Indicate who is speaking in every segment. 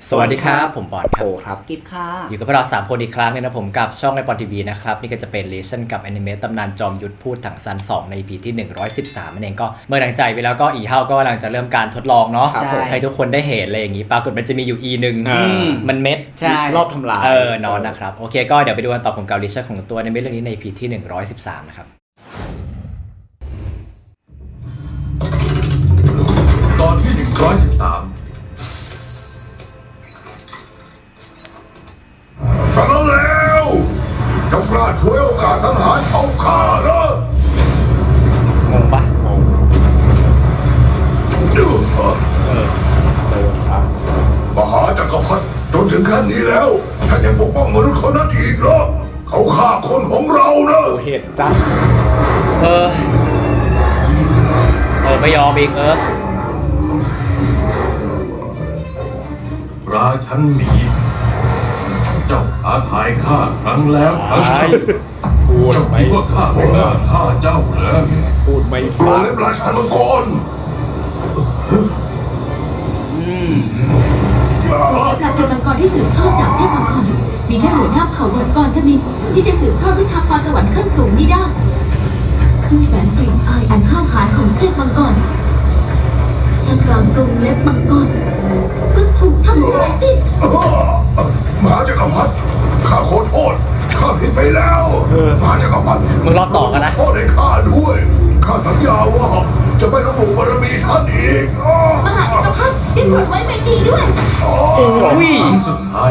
Speaker 1: สวัสดีครับผมปอนครับ
Speaker 2: โอครับ
Speaker 3: กิฟค่ะ
Speaker 1: อยู่กับพวกเรา3คนอีกครั้งนึงนะผมกับช่องไอปอนทีวีนะครับนี่ก็จะเป็นเลชั่นกับแอนิเมตตำนานจอมยุทธพูดถังซัน2ใน EP ที่113นั่นเองก็เมื่อหลังใจไปแล้วก็อีเฮาก็กำลังจะเริ่มการทดลองเนาะ
Speaker 2: ครับผม
Speaker 1: ให้ทุกคนได้เห็นอะไรอย่างนี้ปรากฏมันจะมีอยู่ E นึง มันเม็ด
Speaker 3: ใช่
Speaker 2: รอบทำลาย
Speaker 1: นอนนะครับโอเคก็เดี๋ยวไปดูกันต่อผมกับเลชั่นของตัวในเรื่องนี้ใน EP ที่113นะครับ
Speaker 4: ตอนที่ 113
Speaker 5: ฟังแล้วเจ้ากล้าช่วยโอกาสสังหารเอาข้าเหรอง
Speaker 1: งปะ
Speaker 5: เดือด
Speaker 2: โดนฟ้าม
Speaker 5: หาจักรพรรดิจนถึงขั้นนี้แล้วท่านยังปกป้องมนุษย์คนนั้นอีกเหรอเขาฆ่าคนของเรานะ
Speaker 2: โอเหตุจ้า
Speaker 1: ไม่ยอมอีก
Speaker 4: ราชันหมีเจ้าท้าทายข้าครั้งแล้วครั้งเล่า
Speaker 2: พูด
Speaker 4: เจ้า
Speaker 2: ไม่
Speaker 4: คิดว่าข้าไม่กล้าฆ่าเจ้าเหรอ
Speaker 2: พูดไม่
Speaker 5: โร
Speaker 2: ฟัง
Speaker 5: เล็บราชามังกร
Speaker 6: ราชมังกรที่สืบทอดจากเทพมังกรมีแค่หัวหน้าเผ่ามังกรเท่านั้นที่จะสืบทอดวิชาพรสวรรค์ขั้นสูงนี้ได้ซึ่งแฝงกลิ่นอายอันห้าวหาญของเทพมังกรและการปรุงเล็บมังกรก็ถูกทำลายสิ้น
Speaker 5: มหาจักรพรรดิข้าขอโทษข้าผิดไปแล้วมหาจักรพรรดิ
Speaker 1: มึงรอบ2กันนะ
Speaker 5: ขอโทษให้ข้าด้วยข้าสัญญาว่าจะไม่ลบหลู่บารมีท่านอีก
Speaker 6: มหาจักรพรรดิได้ผลไว้เป็นดีด้วย
Speaker 1: อุ้ย
Speaker 4: ครั้งสุดท้าย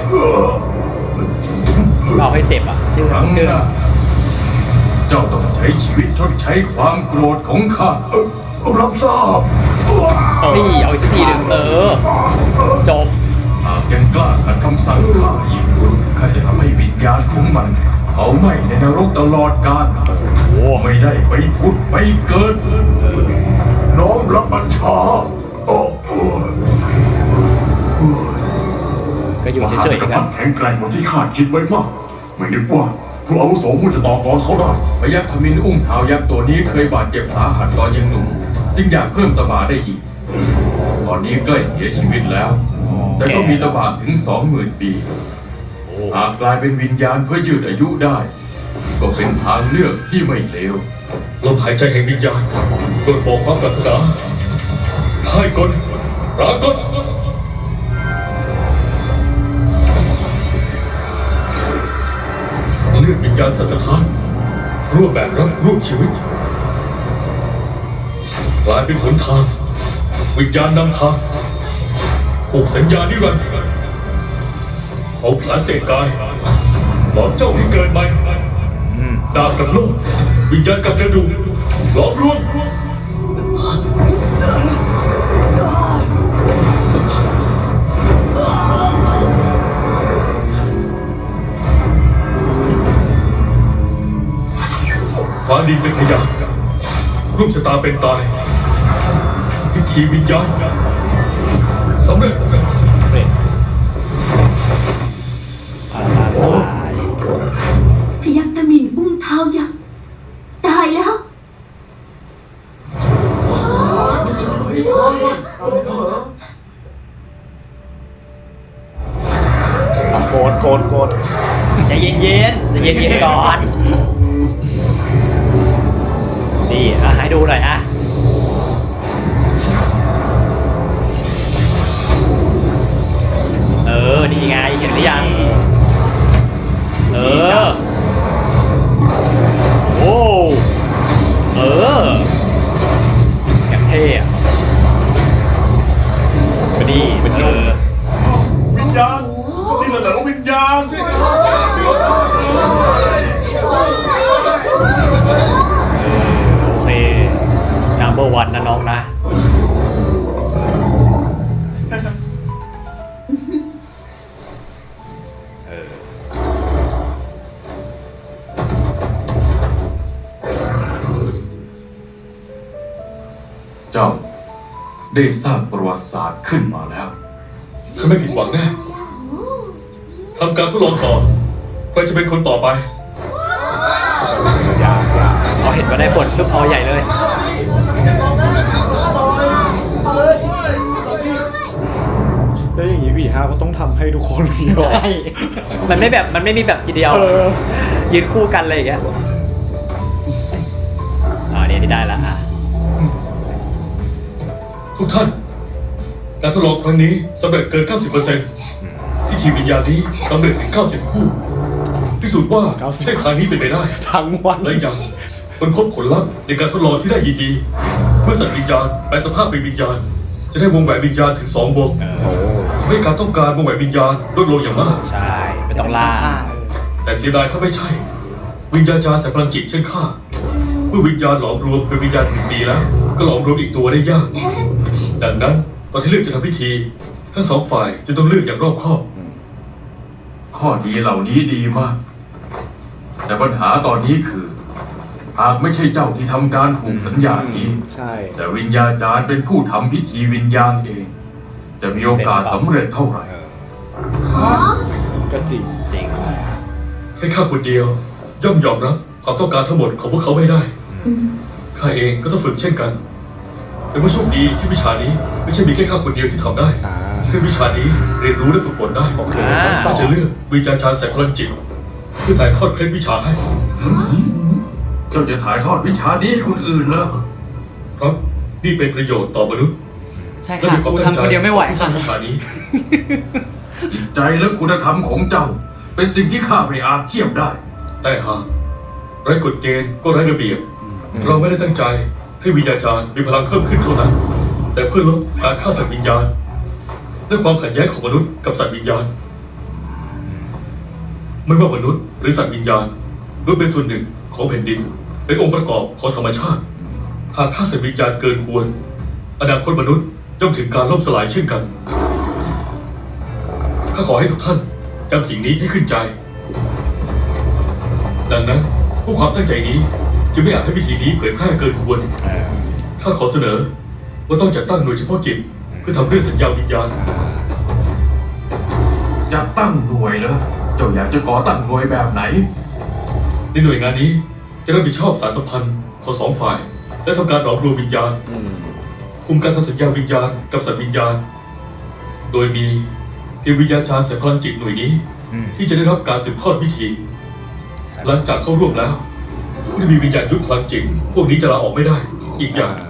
Speaker 1: เอาให้เจ็บอ่ะ
Speaker 4: ครั้งหน้าเจ้าต้องใช้ชีวิตชดใช้ความโกรธของข้า
Speaker 5: รับทราบ
Speaker 1: นี่เอาอีกสักทีหนึ่งจบ
Speaker 4: หากยังกล้าขัดคำสั่งข้าอีกข้าจะทำให้วิญญาณของมันเผาไหม้ในนรกตลอดกาลไม่ได้ไปผุดไปเกิด
Speaker 5: น้อมรับบัญชาโอ้
Speaker 1: ก็อยู่
Speaker 5: ม
Speaker 1: เฉ
Speaker 5: หาย จักร
Speaker 1: ๆ
Speaker 5: พร
Speaker 1: กั
Speaker 5: ร
Speaker 1: น
Speaker 5: ดิแข็งแกร่งกว่าที่ข้าคิดไว้มาก ไม่นึกว่าผู้อาวุโสมุจะต่อกรเขาได้
Speaker 4: พยัคฆ์ทมินอุ้มเท้ายักษ์ตัวนี้เคยบาดเจ็บสาหัสตอนยังหนุ่มจึงอยากเพิ่มตบะได้อีก ตอนนี้ใกล้เสียชีวิตแล้ว แต่ก็มีตบะถึง 20,000 ปี หากกลายเป็นวิญญาณเพื่อยืดอายุได้ ก็เป็นทางเลือกที่ไม่เลว
Speaker 7: ลมหายใจแห่งวิญญาณโดยบอกความปรารถนาให้กลรากลเลือดวิญญาณสัสถานร่วมแบกรับร่วมชีวิตกลายเป็นหนทางวิญญาณนำทางผูกสัญญานิรันดร์เอาผลาญเศษกายหลอมเจ้าให้เกิดใหม่ดาบกับโลกวิญญาณกับกระดูกหลอมรวมฟ้าดินเป็นพยานรูปชะตาเป็นตายพิธีวิญญาณสำเร็จ
Speaker 6: พยัคฆ์ตมินอุ้งเท้ายักษ์ตายแล้ว
Speaker 2: โกรธโกรธโกรธ
Speaker 1: ใจเย็นๆใจเย็นๆก่อน นี่ให้ดูหน่อยนี่ไงเห็นหรือยัง โอ้อย่างเท่อะก็ดีเป็น
Speaker 5: วิญญาณนี่แหละวิญญาณสิ
Speaker 1: โอเค number 1นะน้องนะ
Speaker 4: เจ้าได้สร้างประวัติศาสตร์ขึ้นมาแล้ว
Speaker 7: ข้าไม่ผิดหวังแน่ทำการทดลองต่อใครจะเป็นคนต่อไป
Speaker 1: เอาเห็นมาได้ผลปุ๊บเอาใหญ่เลย
Speaker 2: แล้วอย่างนี้วีห้าก็ต้องทำทุกคนเดียว
Speaker 1: ใช่ มันไม่มีแบบทีเดียว ยืนคู่กันเลยอย่างเงี้ยเนี่ยได้ละอ่ะ
Speaker 7: ทุกท่าน การทดลองครั้งนี้สำเร็จเกิน 90%พิธีวิญญาณนี้สำเร็จถึง 90 คู่ พิสูจน์ว่า
Speaker 2: 90
Speaker 7: เส้นทางนี้เป็นไปได้
Speaker 2: ทั้งวัน
Speaker 7: และยังคนพบผลลัพธ์ในการทดลองที่ได้ยินดี เมื่อสัตว์วิญญาณแปลสภาพเป็นวิญญาณ จะได้วงแหวนวิญญาณถึง 2 วงทำให้การต้องการวงแหวนวิญญาณลดลงอย่างมาก
Speaker 1: ใช่ไม่ต้องล่า
Speaker 7: แต่เสียดายถ้าไม่ใช่ วิญญาณจารย์แสงพลังจิตเช่นข้าเมื่อวิญญาณหลอมรวมเป็นวิญญาณ1 ปีแล้ว ก็หลอมรวมอีกตัวได้ยาก ดังนั้นตอนที่เลือกจะทำพิธี ทั้งสองฝ่ายจะต้องเลือกอย่างรอบคอบ
Speaker 4: ข้อดีเหล่านี้ดีมาก แต่ปัญหาตอนนี้คือ หากไม่ใช่เจ้าที่ทำการผูกสัญญานี้
Speaker 2: ใช่
Speaker 4: แต่วิญญาจารย์เป็นผู้ทำพิธีวิญญาณเอง จะมีโอกาสสำเร็จเท่าไหร่
Speaker 2: ก็จริง
Speaker 1: จริง
Speaker 7: แค่ข้าคนเดียว ย่อมยอมรับความต้องการทั้งหมดของพวกเขาไม่ได้ข้าเองก็ต้องฝึกเช่นกันแต่ว่าโชคดีที่วิชานี้ไม่ใช่มีแค่ข้าคนเดียวที่ทำได้
Speaker 2: อ่า
Speaker 7: แค่วิชานี้เรียนรู้และฝึกฝนได้
Speaker 2: โอเค
Speaker 1: อ่า
Speaker 2: ต้องสอ
Speaker 7: ข้าน จะเลือกวิญญาณจารย์แสงพลังจิตเพื่อถ่ายทอดเคล็ดวิชาให้
Speaker 4: เจ้าจะถ่ายทอดวิชานี้ให้คนอื่นเหรอ
Speaker 7: เพราะนี่เป็นประโยชน์ต่อมนุษย์
Speaker 1: ใช่
Speaker 7: และ
Speaker 1: ค่ะ
Speaker 7: มีความ
Speaker 1: กู
Speaker 7: ตั้งใจ
Speaker 1: ทำคนเดียวไม่ไหว
Speaker 7: ที่สร้า
Speaker 1: ค่ะ
Speaker 7: งวิชานี้
Speaker 4: จิตใจและคุณธรรมของเจ้า เป็นสิ่งที่ข้าไม่อาจเทียบได้
Speaker 7: แต่หากไร้กฎเกณฑ์ก็ไร้ระเบียบ เราไม่ได้ตั้งใจให้วิญญาจารย์มีพลังเพิ่มขึ้นเท่านั้น แต่เพื่อลดการฆ่าสัตว์วิญญาณและความขัดแย้งของมนุษย์กับสัตว์วิญญาณ ไม่ว่ามนุษย์หรือสัตว์วิญญาณล้วนเป็นส่วนหนึ่งของแผ่นดิน เป็นองค์ประกอบของธรรมชาติ หากฆ่าสัตว์วิญญาณเกินควร อนาคตมนุษย์ย่อมถึงการล่มสลายเช่นกันข้าขอให้ทุกท่านจำสิ่งนี้ให้ขึ้นใจ ดังนั้นผู้ความตั้งใจนี้จึงไม่อยากให้พิธีนี้เผยแพร่เกินควรข้าขอเสนอว่าต้องจัดตั้งหน่วยเฉพาะกิจเพื่อทำเรื่องสัญญาวิญญาณ
Speaker 4: จะตั้งหน่วยเหรอ เจ้าอยากจะก่อตั้งหน่วยแบบไหน
Speaker 7: ในหน่วยงานนี้จะรับผิดชอบสารสัมพันธ์ของสองฝ่าย และทำการหลอมรวมวิญญาณ คุมการทำสัญญาวิญญาณกับสัตว์วิญญาณ โดยมีเพียงวิญญาจารย์แสงพลังจิตหน่วยนี้ ที่จะได้รับการสืบทอดพิธี หลังจากเข้าร่วมแล้วผู้ที่มีวิญญาณยุทธพลังจิตพวกนี้จะลาออกไม่ได้ อีกอย่าง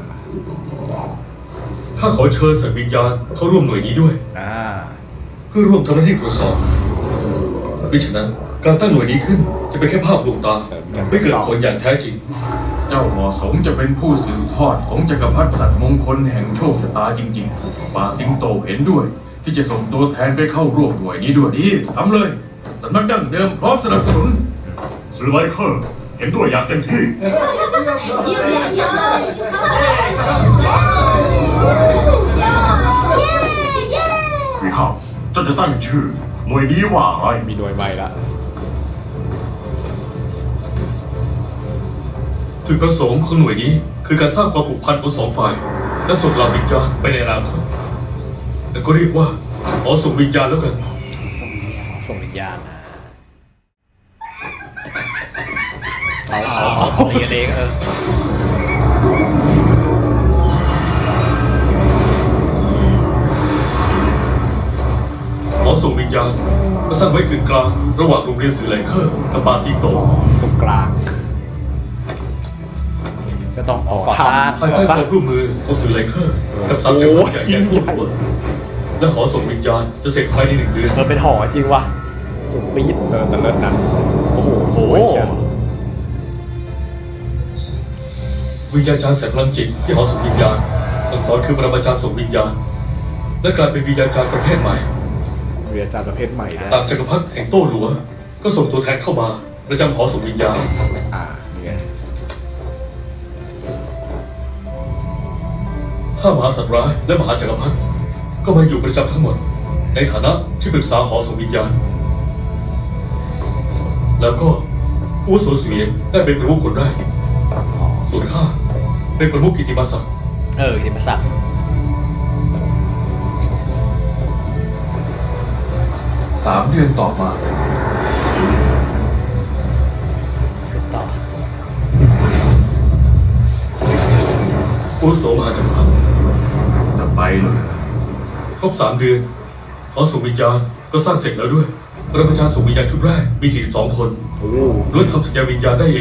Speaker 7: ข้าขอเชิญสัตว์วิญญาณเข้าร่วมหน่วยนี้ด้วย เพื่อร่วมทำหน้าที่ตรวจสอบมิฉะนั้นการตั้งหน่วยนี้ขึ้นจะเป็นแค่ภาพลวงตา ไม่เกิดผลอย่างแท้จริง
Speaker 4: เจ้าเหมาะสมจะเป็นผู้สืบทอดของจักรพรรดิสัตว์มงคลแห่งโชคชะตาจริงๆป่าสิงโตเห็นด้วย ที่จะส่งตัวแทนไปเข้าร่วมหน่วยนี้ด้วยนี่ทำเลยสำนักดั้งเดิมพร้อมสนับสนุน
Speaker 7: ซื้อไลเคอร์เห็นด้วยอย่างเต็มที่
Speaker 6: เยี่ยมเลยเยี่ยมเลยเย้
Speaker 7: วิฮาเจ้าจะตั้งชื่อหน่วยนี้ว่าอะไร
Speaker 2: มีหน่วยใหม่ละ
Speaker 7: จุดประสงค์ของหน่วยนี้คือการสร้างความผูกพันของสองฝ่าย และส่งเหล่าวิญญาณไปในอนาคตแต่ก็เรียกว่าขอส่งวิญญาณแล้วกัน
Speaker 1: ส่งวิญญาณเอาตีกันเอง
Speaker 7: ขอส่งวิญญาณมาสร้างไว้กึ่งกลางระหว่างโรงเรียนสื่อแหลงเคอร์กับป่าสิงโต
Speaker 2: ตรงกลาง
Speaker 1: ก็ต้องก่อสร้าง
Speaker 7: ภายใต้ความร่วมมือของสื่อแหลงเคอร์กับสามจักรพรรดิใหญ่ๆทั่วโลกและขอส่งวิญญาณจะเสร็จภายใน1 เดือน
Speaker 1: เป็นหอจริงว่ะสุดปี๊ด
Speaker 2: แต่เลิศนะโอ้โหสวยเชียว
Speaker 7: วิญญาณจารย์แสงพลังจิตที่หอส่งวิญญาณสั่งสอนคือปรมาจารย์ส่งวิญญาณ และกลายเป็นวิญญาณจารย์ประเภทใหม่
Speaker 2: เรียนจารย์ประเภทใหม่นะ
Speaker 7: สามจักรพรรดิแห่งโต้หลัว ก็ส่งตัวแทนเข้ามาประจำหอส่งวิญญาณ
Speaker 2: นี่ไง
Speaker 7: 5 มหาสัตว์ร้ายและมหาจักรพรรดิก็มาอยู่ประจำทั้งหมด ในฐานะที่ปรึกษาหอส่งวิญญาณ แล้วก็ผู้อาวุโสเสวียนได้เป็นประมุขคนแรกส่วนข้าเป็นประมุขกิตติมศักดิ์
Speaker 1: ที่มาสั่ง
Speaker 4: 3 เดือนต่อมา
Speaker 1: สุดต่อ
Speaker 7: ผู้อาวุโสมหาจักรพรรดิ
Speaker 4: จะไปเลย
Speaker 7: ครบ3 เดือนหอส่งวิญญาณก็สร้างเสร็จแล้วด้วยปรมาจารย์ส่งวิญญาณชุดแรกมี 42 คน
Speaker 2: โอ้
Speaker 7: ล้วนทำสัญญาวิญญาณได้เอง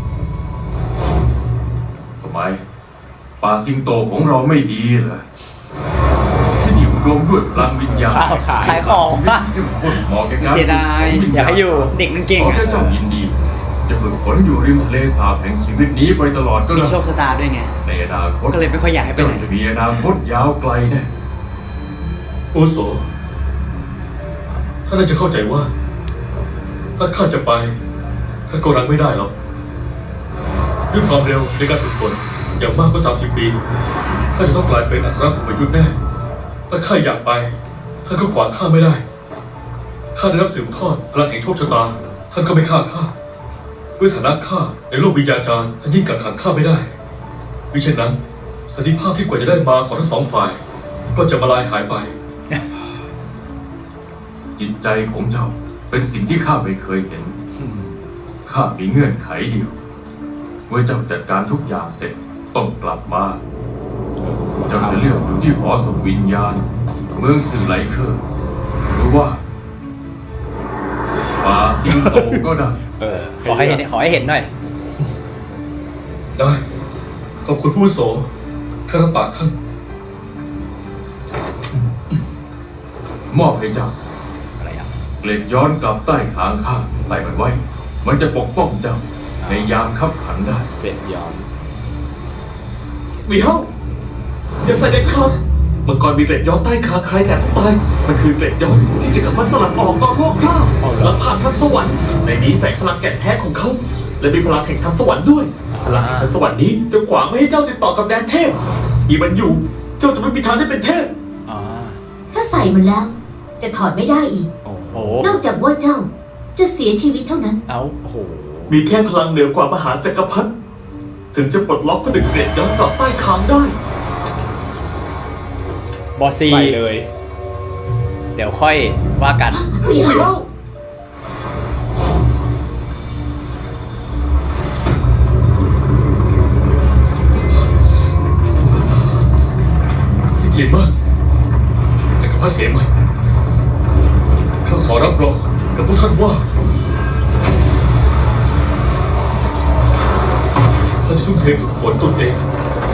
Speaker 4: ทำไมป่าสิงโตของเราไม่ดีเหรอที่นี่รวมด้วยพลังวิญญาณ
Speaker 1: ขายของ
Speaker 4: เข้มข้นเหมาะแก่การ
Speaker 3: เสียดาย
Speaker 4: ฝึกฝนวิญญณ
Speaker 1: อยากให้อยู่
Speaker 3: เด็กมันเก่ง
Speaker 4: ขอ
Speaker 3: อะ
Speaker 4: แค่เจ้ายินดี จะฝึกฝนอยู่ริมทะเลสาบแห่งชีวิตนี้ไปตลอดก็
Speaker 3: มี
Speaker 4: ได้
Speaker 3: โชคชะตาด้วยไง
Speaker 4: ในอนาคต
Speaker 3: ก็เลยไม่ค่อยอยากให้ไป
Speaker 4: เจ้า
Speaker 3: ไหน
Speaker 4: จะมีอนาคตยาวไกลแน่
Speaker 7: โอโสท่านน่าจะเข้าใจว่า ถ้าข้าจะไปท่านก็รังไม่ได้หรอกด้วยความเร็วในการฝึกฝนอย่างมากก็30 ปีข้าจะต้องกลายเป็นอัครภูมิยุทธ์แน่ถ้าข้าอยากไปท่านก็ขวางข้าไม่ได้ข้าได้รับสืบทอดพลังแห่งโชคชะตาท่านก็ไม่ฆ่าข้าด้วยฐานะข้าในโลกวิญญาจารย์ท่านยิ่งกักขังข้าไม่ได้มิเช่นนั้นสันติภาพที่กว่าจะได้มาของทั้งสองฝ่าย ก็จะมาลายหายไป
Speaker 4: จิตใจของเจ้าเป็นสิ่งที่ข้าไม่เคยเห็น ข้ามีเงื่อนไขเดียว เมื่อเจ้าจัดการทุกอย่างเสร็จต้องกลับมา เจ้าจะเลือกอยู่ที่หอส่งวิญญาณ เมืองสื่อไหลเคอร์หรือว่าป่าสิงโตก็ได้
Speaker 1: ขอให้เห็นหน่อย
Speaker 7: ได้ขอบคุณผู้อาวุโสข้ารับปากท่าน
Speaker 4: มอบให้เจ้า
Speaker 1: อะไรอ่ะ
Speaker 4: เกล็ดย้อนกลับใต้ขางข้าใส่มันไว้ มันจะปกป้องเจ้า ในยามคับขันได้
Speaker 2: เปลี่ยนย้อน
Speaker 8: มีเฮ้าอย่าใส่เด็ดขาดมังกรมีเกล็ดย้อนใต้คางใครแต่ต้องตาย มันคือเกล็ดย้อนที่จะขับพัดสลัดออกตอนโลกคราบและผ่านทันสวรรค์ในนี้แฝงพลังแก่นแท้ของเขา และมีพลังแห่งทันสวรรค์ด้วย พลังแห่งทันสวรรค์นี้จะขวางไม่ให้เจ้าติดต่อกับแดนเทพมีมันอยู่ เจ้าจะไม่มีทางได้เป็นเทพ
Speaker 1: อ๋อ
Speaker 6: ถ้าใส่มันแล้ว จะถอดไม่ได้อีก
Speaker 1: โอ้โห
Speaker 6: นอกจากว่าเจ้าจะเสียชีวิตเท่านั้น
Speaker 1: เอ้าโอ้โห
Speaker 8: มีแค่พลังเหนือกว่ามหาจักรพรรดิถึงจะปลดล็อกผนึกเกล็ดย้อนกลับใต้คางได้
Speaker 1: บอสซี
Speaker 2: ใส่เลย
Speaker 1: เดี๋ยวค่อยว่ากัน
Speaker 8: มีเฮ้า
Speaker 7: ที่เกียรติมากจักรพรรดิเหมยข้าขอรับรองกับพวกท่านว่าข้าจะทุ่มเทฝึกฝนตนเอง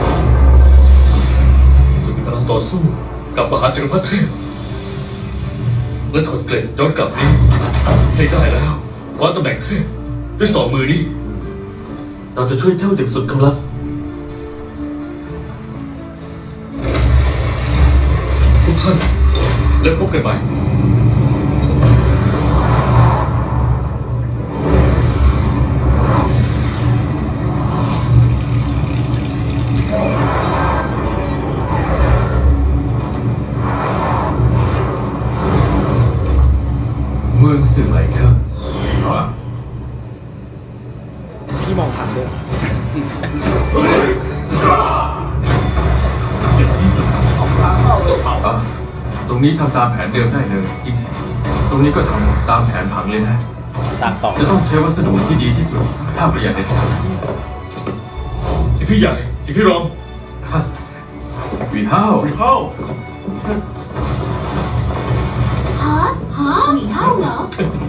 Speaker 7: จนมีพลังต่อสู้กับมหาจักรพรรดิเทพและถอดเกล็ดย้อนกลับนี้ให้ได้แล้วคว้าตำแหน่งเทพด้วยสองมือนี้
Speaker 8: เราจะช่วยเจ้าอย่างสุดกำลัง
Speaker 7: ทุกท่านแล้วพบกันใหม่
Speaker 4: เมืองสื่อไหลเคอร์
Speaker 2: พี่มองทันด้วย
Speaker 4: อ่ะตรงนี้ทำตามแผนเดิมได้เลยจริงสิตรงนี้ก็ทำตามแผนผังเลยนะ
Speaker 1: สร้างต่อ
Speaker 4: จะต้องใช้วัสดุที่ดีที่สุดห้ามประหยัดเด็ดขาด
Speaker 7: สิพี่ใหญ่สิพี่รอง
Speaker 4: ฮะวีห้าว
Speaker 6: ฮะหวีเท่าเหรอ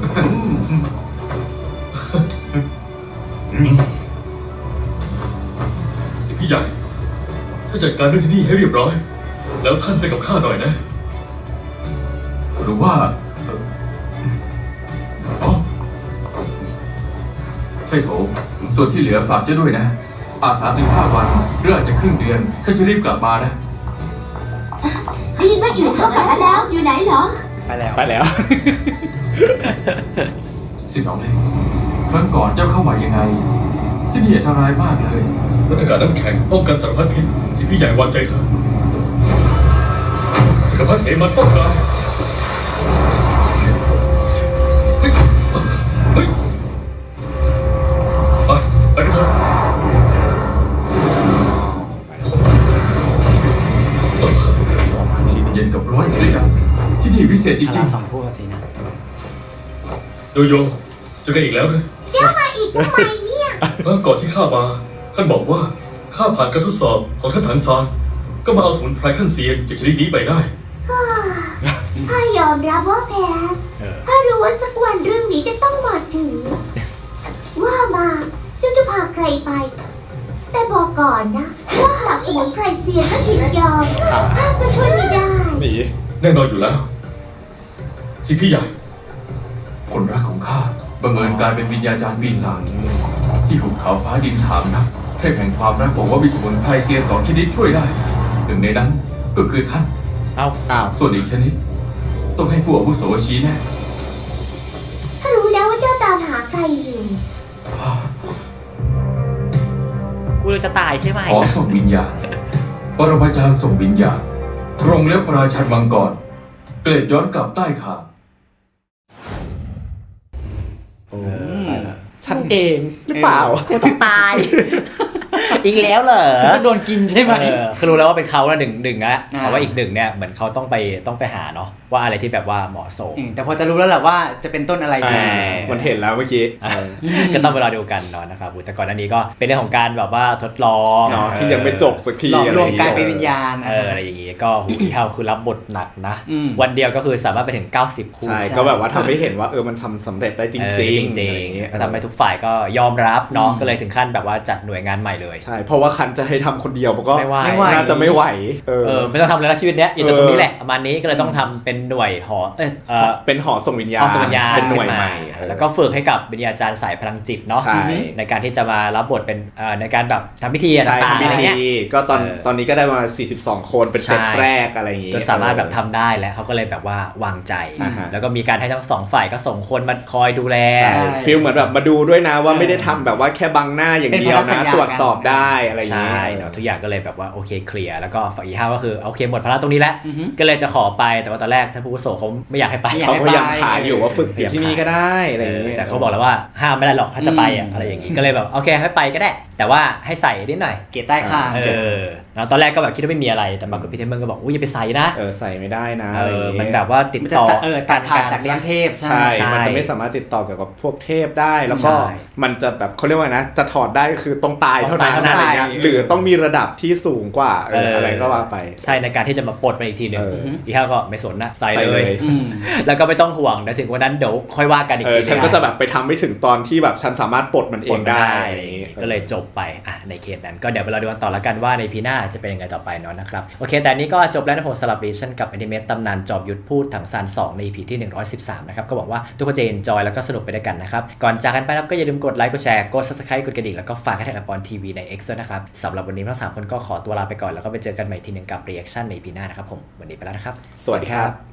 Speaker 7: สิพี่ใหญ่ ถ้าจัดการเรื่องที่นี่ให้เรียบร้อย แล้วท่านไปกับข้าหน่อยนะ
Speaker 4: หรือว่าอ๋อใช่โถส่วนที่เหลือฝากเจ้าด้วยนะ อาสาถึง5 วันหรืออาจจะครึ่งเดือนข้าจะรีบกลับมานะ
Speaker 6: ได้ยินว่าอยู่เท่ากลับมาแล้ว อยู่ไหนเหรอ
Speaker 1: ไปแล้ว
Speaker 2: ไปแล้ว
Speaker 4: สิบเอาเลยครั้งก่อนเจ้าเข้ามายังไง ที่นี่อันตรายมากเลย
Speaker 7: รัฐการน้ำแข็งป้องกันสารพัดพิษสิพี่ใหญ่วางใจเถอะจักรพรรดิเหมันป้องกันเฮ้ยเฮ้ยไปกันเถอะ
Speaker 4: เย็นกับร้อนเลยกันที่นี่วิเศษจ
Speaker 3: พ
Speaker 4: ริ
Speaker 3: ลั
Speaker 4: ง
Speaker 3: งสองคู่กันสินะ
Speaker 7: โยโย่เจอกันอีกแล้วนะ
Speaker 6: เจ้ามาอีกทำไมเนี่ย
Speaker 7: เมื่อก่อนที่ข้ามาท่านบอกว่าข้าผ่านการทดสอบของท่านถังซานก็มาเอาสมุนไพรขั้นเซียนจากชนิดนี้ไปได้
Speaker 3: ถ้ายอมรับว่าแพ้ ถ้ารู้ว่าสักวันเรื่องนี้จะต้องมาถึง ว่ามาเจ้าจะพาใครไป แต่บอกก่อนนะ ว่าหากสมุนไพรเซียนและหญิงยอมข้าก็ช่วยไม่ได้
Speaker 2: หนี
Speaker 7: แน่นอนอยู่แล้ว สิพี่ใหญ่
Speaker 4: คนรักของข้าบังเอิญกลายเป็นวิญญาจารย์ปีศาจที่หุบเขาฟ้าดินถามนะเทพแห่งความรักบอกว่ามีสมุนไพรเซียน2 ชนิดช่วยได้หนึ่งในนั้นก็คือท่าน
Speaker 1: เอา
Speaker 4: ส่วนอีกชนิด ต้องให้ผู้อาวุโสชี้แน่
Speaker 3: ถ้ารู้แล้วว่าเจ้าตามหาใครอยู่
Speaker 1: กูเลยจะตายใช่ไหม
Speaker 4: ขอส่งวิญญาณปรมาจารย์ส่งวิญญาณตรงแล้วราชันมังกรเกล็ดย้อนกลับใต้คาง
Speaker 2: โอ้ตายละฉันเองหรือเปล่า
Speaker 1: กูต้องตาย อีกแล้วเหรอ
Speaker 9: ฉันจะโดนกินใช่ไหม
Speaker 1: คือรู้แล้วว่าเป็นเขาละหนึ่งนะ
Speaker 9: อ่า
Speaker 1: แต่ว่าอีกหนึ่งเนี่ยเหมือนเขาต้องไปหาเนาะว่าอะไรที่แบบว่าเหมาะสม
Speaker 9: แต่พอจะรู้แล้วแหละว่าจะเป็นต้นอะไรดี
Speaker 2: มันเห็นแล้วเมื่อกี้
Speaker 1: ก็ต้องไปรอดูกันเนาะนะครับแต่ก่อนหน้านี้ก็เป็นเรื่องของการแบบว่าทดลอง
Speaker 2: เนาะที่ยังไม่จบสักที
Speaker 9: หลอกลวง
Speaker 2: ะไ
Speaker 9: กลายเป็นวิญญาณ
Speaker 1: อะไรอย่างงี้ก็หูอีเฮาคือรับบทหนักนะ
Speaker 9: อืม
Speaker 1: วันเดียวก็คือสามารถไปถึง90 คู่
Speaker 2: ใช่ก็แบบว่าทำให้เห็นว่ามันสำเร็จได้จริงๆ
Speaker 1: จริง
Speaker 2: อะไรอย่างเงี้ย
Speaker 1: ก็ทำให้ทุกฝ่ายก็ยอมรับเนาะก็เลยถึงขั้นแบบว่าจัดหน่วยงานใหม่เลย
Speaker 2: ใช่เพราะว่าคันจะให้ทำคนเดียวมันก็
Speaker 1: ไม่ไหว
Speaker 2: น่าจะไม่ไหว
Speaker 1: ไม่ต้องทำอะไรแล้วชีวิตเนี้ยอยู่แต่ตรงนี้แหละประมาณนี้ก็เลยต้องทำเป็นหน่วยหอ
Speaker 2: เป็นหอส่งวิญญาณ
Speaker 1: เอาสมัญญา
Speaker 2: เป็นหน่วยใหม่
Speaker 1: แล้วก็ฝึกให้กับวิญญาจารย์สายพลังจิตเนาะ
Speaker 2: ใช่
Speaker 1: ในการที่จะมารับบทเป็นในการแบบทำพิธี
Speaker 2: ใช่
Speaker 1: ต่างๆ
Speaker 2: ทำพิ
Speaker 1: อะไร
Speaker 2: ธี
Speaker 1: เงี้ย
Speaker 2: ก็ตอน
Speaker 1: เออ
Speaker 2: ตอนนี้ก็ได้มา42 คนเป็นเซต
Speaker 1: ใช่
Speaker 2: แรกอะไรอย่างงี้
Speaker 1: จนสามารถแบบทำได้แล้วเขาก็เลยแบบว่าวางใจ
Speaker 2: อ่าฮะ
Speaker 1: แล้วก็มีการให้ทั้งสองฝ่ายก็ส่งคนมาคอยดูแล
Speaker 2: ใช่ฟีลเหมือนแบบมาดูด้วยนะว่าไม่ได้ทำแบบว่าแค่บังหน้าอย่างเดียว
Speaker 9: เป็นพันธสัญ
Speaker 2: นะ
Speaker 9: ญา
Speaker 2: ตรวจสอบได้อะไรอย่าง
Speaker 1: ใช่
Speaker 2: งี้
Speaker 1: เนาะทุกอย่างก็เลยแบบว่าโอเคเคลียร์แล้วก็ฝั่งอีห้าก็คือโอเคหมดภาระตรงนี้แล้ว
Speaker 9: อือฮึ
Speaker 1: ก็เลยจะขอไปแต่ว่าตอนแรกท่านผู้อาวุโสเขาไม่อยากให้ไป
Speaker 9: ไม่อยาก
Speaker 2: เขา
Speaker 9: ให้
Speaker 2: พยายามขายอยู่ว่าฝึกอยู่ที่นี่ก็ได้อะไร
Speaker 1: เอ
Speaker 2: อย่าง
Speaker 1: อ
Speaker 2: งี้
Speaker 1: แต่เขาบอกแล้วว่าห้ามไม่ได้หรอกถ้าจะไปอะไรอย่างงี้ก็เลยแบบโอเคให้ไปก็ได้ แต่ว่าให้ใส่นิดหน่อย
Speaker 9: เกตใต้คาง
Speaker 1: แล้วตอนแรกก็แบบคิดว่าไม่มีอะไรแต่ปรากฏพี่เทมเบิลก็บอกอุ้ยอย่าไปใส่นะ
Speaker 2: ใส่ไม่ได้นะอะไรอย่างงี้
Speaker 1: มันแบบว่าติด
Speaker 9: มันจะ
Speaker 1: ต่อ
Speaker 9: ตัดขาดจากเลี้ยงเทพ
Speaker 2: ใช่ มันจะไม่สามารถติดต่อเกี่ยวกับพวกเทพได้ แล้วก็
Speaker 1: ใช่
Speaker 2: มันจะแบบเขาเรียกว่านะ จะถอดได้คือต้องตายเท่านั้น
Speaker 1: ต้องตายเท่านั้น
Speaker 2: อะไรเงี้ยหรือต้องมีระดับที่สูงกว่าอะไรก็ว่าไป
Speaker 1: ใช่ในการที่จะมาปลดมันอีกทีหนึ่ง
Speaker 2: เออ
Speaker 1: อีห้าก็ไม่สนนะใส่
Speaker 2: ใส่
Speaker 1: เล
Speaker 2: เลย ย
Speaker 9: อืม
Speaker 1: แล้วก็ไม่ต้องห่วงเดี๋ยวถึงวันนั้นเดี๋ยวค่อยว่ากันอีกที
Speaker 2: ฉันก็จะแบบไปทำไม่ถึงตอนที่แบบฉันสามารถปลดมันเอ
Speaker 1: ปล
Speaker 2: ง
Speaker 1: ด
Speaker 2: ได้
Speaker 1: ได้
Speaker 2: อะไรอย่างงี้
Speaker 1: ก็เลยจบไปในเคสนั้นก็เดี๋ยวเราดูกันต่อละกันว่าในพีหน้าจะเป็นยังไงต่อไปเนาะนะครับโอเคแต่อันนี้ก็จบแล้วนะผมสลับเรชั่นกับแอนิเมตตำนานจอบยุทธพูดถังซาน2ใน EP ที่113นะครับก็หวังว่าทุกคนจะ enjoy แล้วก็สนุกไปด้วยกันนะครับก่อนจากกันไปนะครับก็อย่าลืมกดไลค์กดแชร์กด subscribe กดกระดิ่งแล้วก็ฝากให้แท็กอปอนทีวีใน X ด้วยนะครับสำหรับวันนี้ทั้ง3คนก็ขอตัวลาไปก่อนแล้วก็ไปเจอกันใหม่ทีหนึ่งกับ reaction ใน EP หน้านะครับผมวันนี้ไปแล้วนะครับ
Speaker 2: สวัสดีครับ